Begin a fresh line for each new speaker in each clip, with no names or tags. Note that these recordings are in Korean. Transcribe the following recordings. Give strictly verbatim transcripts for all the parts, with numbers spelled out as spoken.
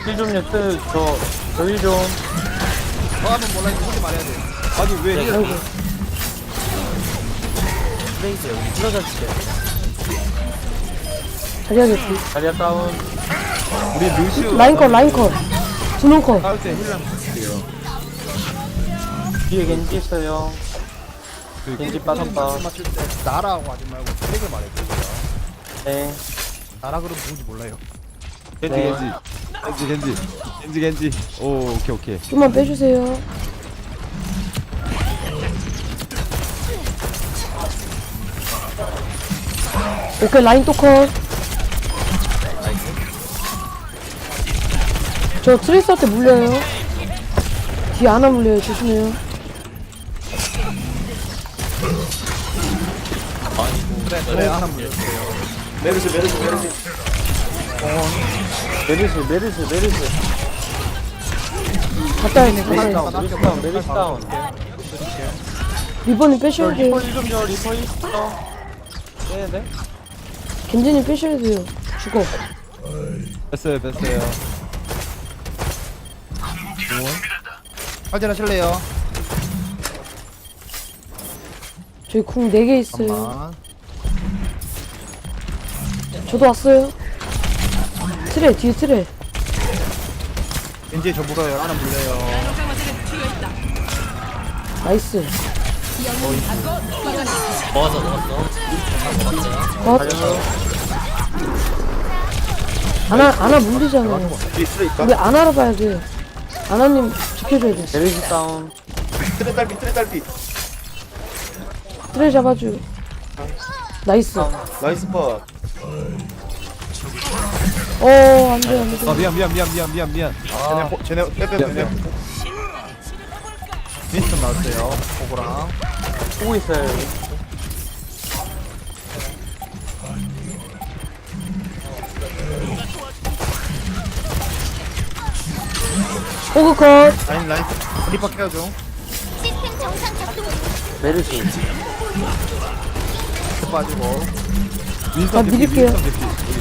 힐좀요 트, 저, 저희 좀.
저 하면 몰라 이거 혼자 말해야 돼.
아니 왜
네,
이래?
아이고. 프레이즈 여기 틀어졌어요.
자리하겠지.
자리야 다운.
우리 루시오
라인컷, 라인컷. 두명컷.
싸울 때 힐랑 볼게요.
뒤에 겐지 있어요.
그
겐지 빠졌다.
말씀 맞출 때 나라고 하지 말고 트랙을 말해주세요.
네.
나라 그러면 누군지 몰라요.
겐지
네.
겐지 겐지 겐지 겐지 겐지. 오 오케이 오케이.
좀만 빼주세요. 오케이, 라인 또 컷. 저 트레이서한테 물려요. 뒤에 하나 물려요. 조심해요.
그래 그래 하나 물려주세요.
메르시, 메르시, 메르시. 메르시, 메르시, 메르시.
갔다 와야
메르시
돼.
다운, 메르시 다운, 메르시 다운.
리본님
저
빼셔야 돼요.
리퍼 힐좀 줘, 리퍼 힐 있어. 빼야 돼?
겐지님 빼셔야 돼요. 죽어.
뺐어요 뺐어요.
확인하실래요?
저희 궁 네 개 있어요.
잠깐만.
저도 왔어요. 트레, 뒤에 트레.
왠지 저 물어요. 하나 물려요.
나이스.
먹었어 먹었어.
컷.
달려서.
아나, 아나 물리잖아요. 우리 아나로 봐야 돼. 아나님 지켜줘야 돼.
메르시 다운.
트레 딸피 트레 딸피
트레 잡아줘. 나이스.
나이스 파
어, 안 돼, 안 돼.
아 미안 미안 미안 미안 미안 미안.
쟤네 호- 쟤네 빼빼
미안
빼빼
미안.
윈스턴 나왔어요. 호구랑.
보고 있어요, 여기.
호그 컷.
라인 라인 리퍼 케어줘.
메르시.
트 빠지고.
윈스턴
아,
대피,
밀릴게요.
윈스턴 대피.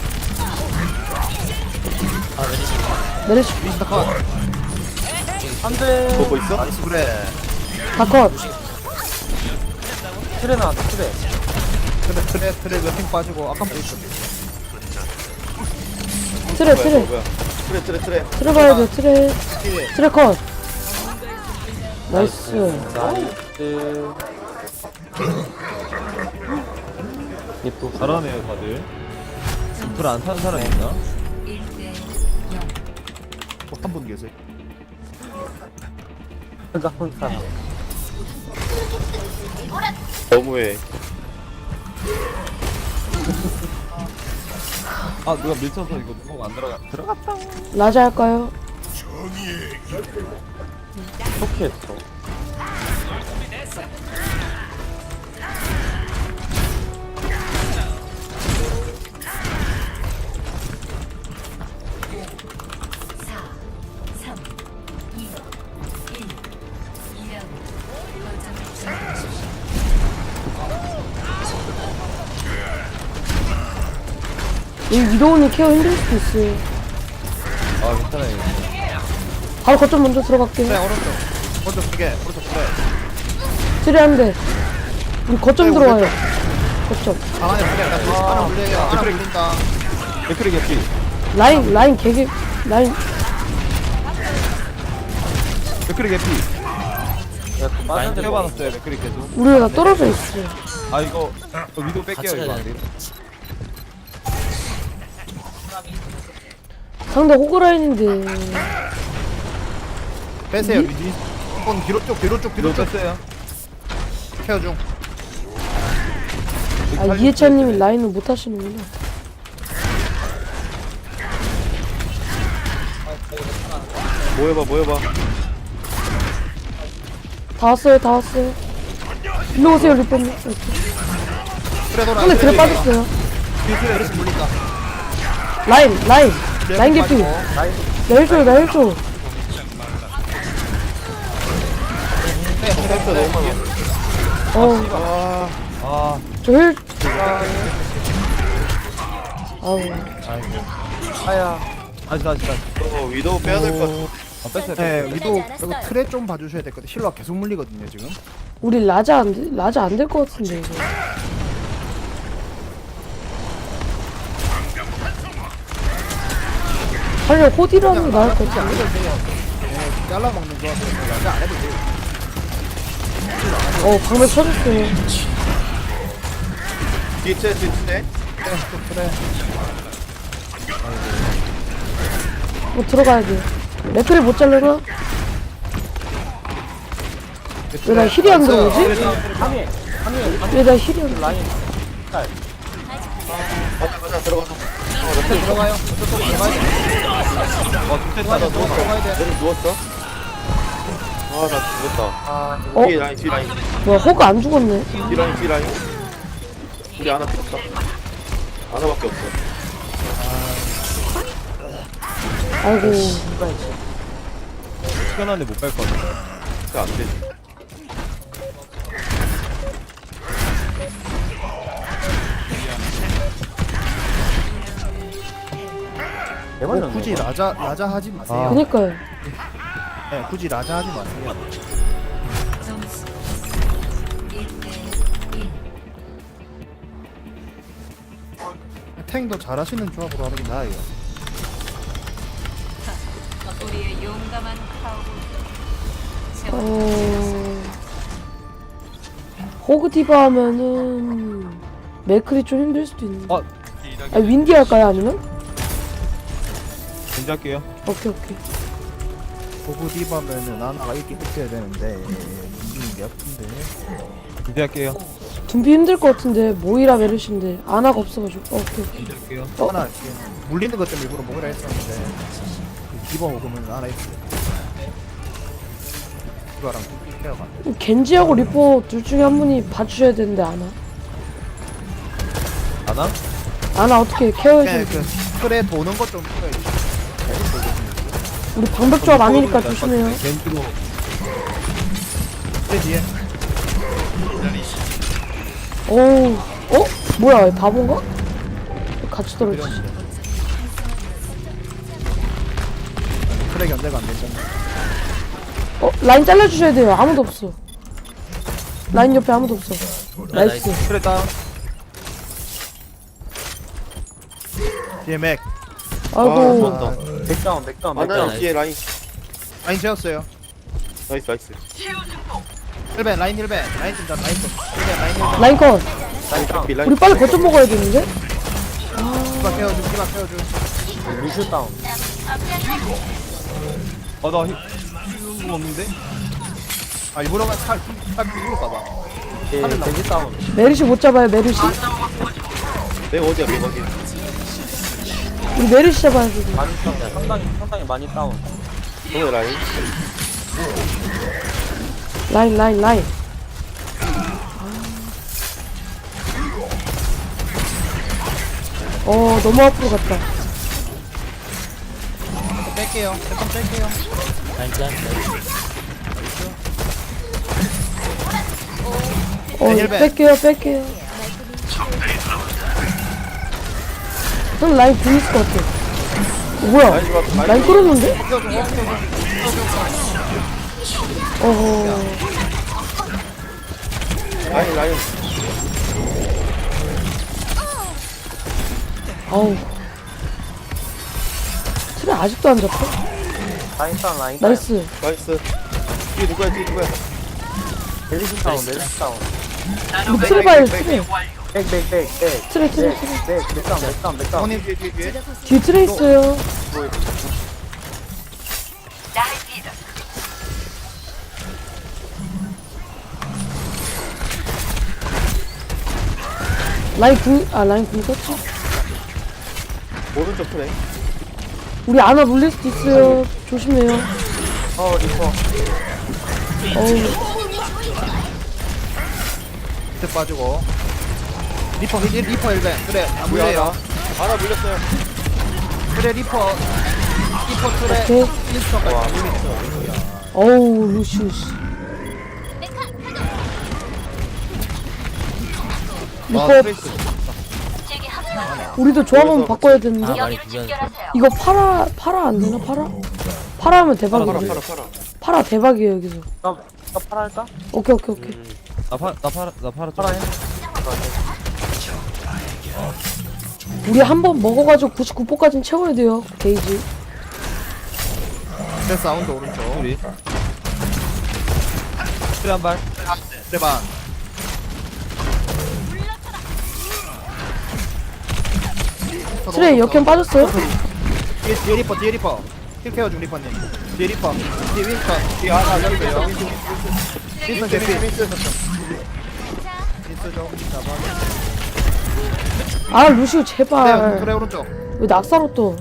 메르시
윈스턴 컷.
안 돼.
보고 있어?
나이스 그래.
다 컷.
트레 나왔다, 트레.
트레 트레 트레 몇핑 빠지고 아까 뭐 있었지?
트레,
뭐야,
트레.
뭐야. 트레 트레 트레
트레 봐야 돼, 트레. 트레 컷. 나이스.
나이스. 예쁘.
잘하네요 다들. 불 안 타는 사람 있나?
한 분 계세요.
가운 사람.
너무해
아 누가 밀쳐서 이거 누가 안 들어가 들어갔다.
라자 할까요?
어떻게 했어?
이 위도우님 케어 힘들 수도 있어요.
아 괜찮아요.
바로 거점 먼저
트레
들어갈게요.
오른쪽. 오른쪽 두 개. 오른쪽 트레.
트레 한 대. 우리 거점 들어와요. 거점.
하나에 물려. 하나 물려요. 하나 물린다.
맥크리 개피.
라인, 라인 개개, 라인.
맥크리 개피.
야, 그 빠졌는데.
케어 받았어요 맥크리 계속.
우리 다 떨어져 있어.
아 이거 저 위도 뺄게요 이거 안 돼.
상대 호그라인인데.
빼세요. 미지. 한번 뒤로 쪽 뒤로 쪽 뒤로
위도
쪽
뺐어요.
케어 중.
아, 이해찬님이 라인을 못 하시는구나.
모여봐 모여봐
다 왔어요, 다 왔어요. 일로 오세요, 리퍼님.
트레 돌아.
상대 그래 빠졌어요.
뒤에 트레 이렇게 물린다.
라인, 라인. 라인 개피.
빠지고.
나 힐줘, 나 힐줘.
셀프 너무 많아
어,
아
저 힐. 아우.
아야.
다시 다시 다시.
어 위도우 빼야 될 것 같아.
아 뺐어요.
네,
뺐어요.
위도 이거 트레 좀 봐주셔야 될 것 같아. 힐러가 계속 물리거든요 지금.
우리 라자 안 돼? 라자 안 될 것 같은데 이거. 차라리 호디로 하는 게 나을 것
안
같은데.
해도 돼요. 네, 잘라 먹는 조합이라서 라자 안 해도 돼요.
어 방금 쳐줬어요.
뒤에 트레 뒤에 트레.
트레 또 트레.
뭐 들어가야 돼. 맥크리 못 잘르나? 왜 나 힐이 안 들어오지?
하미 하미
왜 나 힐이 안 들어?
라인
가자 가자 들어가자.
트레 들어가요. 저쪽 들어가야 돼.
어 좋겠다.
들어가야 돼. 들어가야 돼.
내려 누웠어? 아나 죽었다.
아
어?
뒤에 라인 뒤 라인
뭐야 호그 안 죽었네.
뒤 라인 뒤 라인. 우리 하나 없다. 하나밖에 없어.
아이고.
시간 안에 못 뺄 것 같아.
그안 되지.
대박이네.
뭐 굳이 라자 라자 하지 마세요.
그니까요.
네, 굳이 라자 하지 마세요. 탱도 잘하시는 조합으로 하는 게 나아요.
우리의 용감한 파워.
어... 호그 디바 하면은 맥크리 좀 힘들 수도 있는데.
어.
아 윈디 할까요 아니면?
겐지 할게요.
오케이 오케이.
보고 디바면은 나나가 이렇게 있어야 되는데 이기는 게 아픈데.
겐지 할게요.
둠비 힘들 것 같은데 모이라 메르신데 아나가 없어가지고. 어, 오케이 오케이.
겐지 할게요.
어?
하나 이렇게 물리는 것 때문에 일부러 먹으라 했었는데 그 디바 먹으면 하나 있어요. 디바랑 케어가 안 돼.
겐지하고 리퍼 둘 중에 한 분이 봐주셔야 되는데 아나.
아나?
아나 어떻게
네,
케어해줘?
그 틀에 도는 것 좀 필요해.
우리 방벽 조합 아니니까 조심해요.
겐지로.
틀에 뒤에
어우, 어? 뭐야, 얘 바본가? 같이 떨어지지.
틀에 견제가 안 되잖아.
어, 라인 잘라주셔야 돼요. 아무도 없어. 라인 옆에 아무도 없어. 나이스.
틀에 다운. 뒤에 맥.
아이고,
아,
백다운 백다운
하나
백다운.
뒤에 라인.
라인 재웠어요.
나이스 나이스.
일 벤 라인 일 벤 라인 좀 라인 좀 일 벤 라인 일 벤
라인 컷.
라인 피 라인.
우리 빨리 거점 먹어야겠는데?
디바 케어줘 디바 케어줘.
루슈 다운.
아나 힘 없는데?
아 일부러가 살 살 일부러 가봐.
예 겐지 다운.
메르시 못 잡아요, 메르시?
내가 어디야 내가 어디야.
우리 메르시 잡아야 돼.
많이 다운. 상당히 상당히 많이 다운.
동네 라인.
라인, 라인, 라인. 어, 너무 앞으로 갔다.
뺄게요. 잠깐 뺄게요.
라인 짠.
어,
네, 힐백.
뺄게요, 뺄게요. 형 라인 분 있을 것 같아. 어, 뭐야?
라인 좋았어.
라인
라인
끌었는데? 어허.
라인 라인.
아우. 트레 아직도 안 잡혀?
라인 다운 라인 다운.
나이스.
나이스. 뒤에 누구야 뒤에 누구야.
멜리시 다운 멜리시 다운.
우리 트레 봐요, 트레.
백백백백.
트레, 트레, 트레.
백 백다운 백다운 백다운.
형님 뒤에 뒤에 뒤에.
뒤에 트레 있어요. 라인 궁, 아, 라인 궁 썼지?
오른쪽 트레.
우리 아나 물릴 수도 있어요. 조심해요.
어 리퍼.
어우.
밑에 빠지고. 리퍼 일 리퍼 일 벤. 그래 안
뭐야
물려요.
나. 하나 물렸어요.
그래 리퍼. 리퍼 틀에
오케이.
인스턴까지 안 물리죠.
어우, 루시우스.
아,
리퍼,
트레이스.
우리도 조합 한번 바꿔야
아
되는데.
많이 비교하는데.
이거 팔아 팔아 안 되나 팔아? 팔아 하면
팔아 팔아
대박이지.
팔아 팔아.
팔아 대박이에요 여기서.
나, 나 팔아 할까?
오케이 오케이 오케이.
음.
나 팔아 나 팔아 나 팔아 좀
팔아 해.
우리 한 번 먹어가지고 구십구 포까지는 채워야 돼요 게이지.
제 사운드 오른쪽.
우리 그래 한발
대반.
트레이 역행 빠졌어요?
뒤에 뒤에 리퍼 뒤에 리퍼. 힐 케어 중 리퍼님. 뒤에 리퍼. 뒤에 윈스턴. 뒤에 하나 열려요. 윈스턴 제피. 윈스턴 윈스턴 좀 잡아.
아 루시우
그래
제발.
그래 오른쪽.
왜 낙사로 또?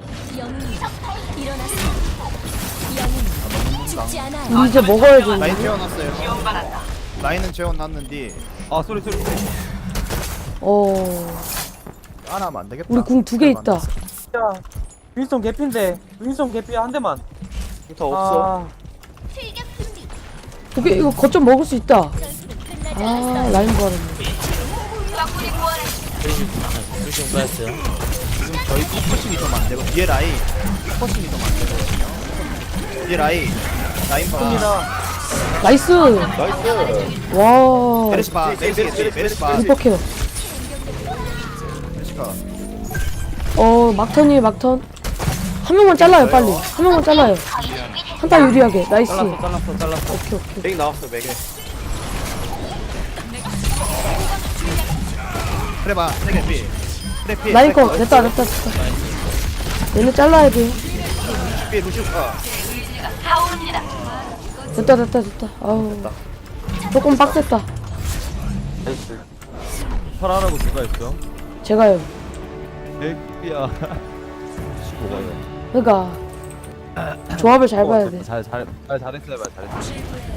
우리 이제 먹어야
라인
되는데.
재워놨어요. 라인은 재워놨는데
아 쏘리 쏘리 쏘리.
어.
안 하면 안 되겠다.
우리 궁 두 개 있다.
야, 윈스턴 개피인데. 윈스턴 개피야, 한 대만.
더 없어.
아,
오케이 이거 거점 먹을 수 있다. 아 라인 부활했네.
루시오 빠졌어요.
지금 저희 포커싱이 좀 안 되고 뒤에 라인 포커싱이 좀 안 되거든요. 뒤에 라인 라인 봐.
나이스.
나이스.
와.
메르시 봐. 메르시 메르시 메르시 봐.
리퍼 케어.
메르시 봐.
어 막턴이에요 막턴. 한 명만 잘라요 빨리. 한 명만 잘라요. 한타 유리하게. 나이스.
잘랐어 잘랐어 잘랐어.
오케이 오케이.
맥 나왔어 맥.
그래 봐. 세개 피. 그래 피.
라인 거 됐다 됐다 됐다. 얘네 잘라야 돼.
피 루시우 어.
됐다 됐다 됐다. 아우. 조금 빡셌다.
나이스.
팔아라고 누가 했어?
제가요.
백비야. 십오가요.
그러니까 조합을 잘 봐야 돼.
잘잘 잘 잘했어요 말 잘했어.